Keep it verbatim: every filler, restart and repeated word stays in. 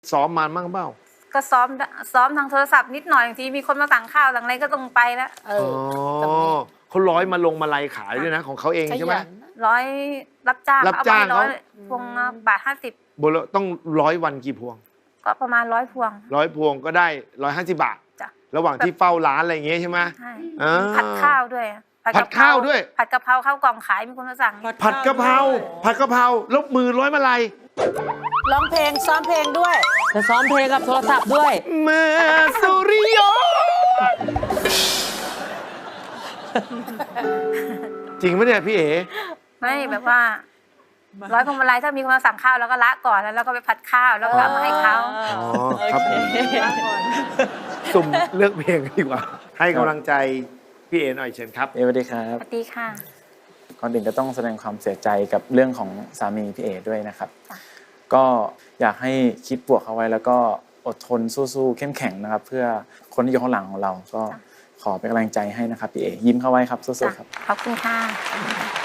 ซ้อมมาบ้างเปล่าก็ซ้อมซ้อมทางโทรศัพท์นิดหน่อยบางทีมีคนมาสั่งข้าวสั่งอะไรก็ต้องไปแล้วเออเขาร้อยมาลงมาลัยขายด้วยนะของเขาเองใช่ไหมร้อยรับจ้างรับจ้างเขาพวงบาทห้าสิบโบลต้องร้อยวันกี่พวงก็ประมาณร้อยพวงร้อยพวงก็ได้ร้อยห้าสิบบาทระหว่างที่เฝ้าร้านอะไรอย่างเงี้ยใช่ไหมใช่ผัดข้าวด้วยผัดข้าวด้วยผัดกะเพราข้าวกล่องขายมีคนมาสั่งผัดกะเพราผัดกะเพราลบมือร้อยมาลัยร้องเพลงซ้อมเพลงด้วยจะซ้อมเพลงกับโทรศัพท์ด้วยเมื่อสุริยนจริงไหมเนี่ยพี่เอ๋ไม่แบบว่าร้อยพวงมาลัยถ้ามีคนมาสั่งข้าวแล้วก็ละก่อนแล้วเราก็ไปผัดข้าวแล้วก็เอามาให้เขาอ๋อครับสุ่มเลือกเพลงดีกว่าให้กำลังใจพี่เอ๋หน่อยเชิญครับสวัสดีครับสวัสดีค่ะก่อนอื่นก็ต้องแสดงความเสียใจกับเรื่องของสามีพี่เอ๋ด้วยนะครับก็อยากให้คิดบวกเอาไว้แล้วก็อดทนสู้ๆเข้มแข็งนะครับเพื่อคนที่อยู่ข้างหลังของเราก็ขอเป็นกำลังใจให้นะครับพี่เอ๋ยิ้มเข้าไว้ครับสู้ๆครับขอบคุณค่ะ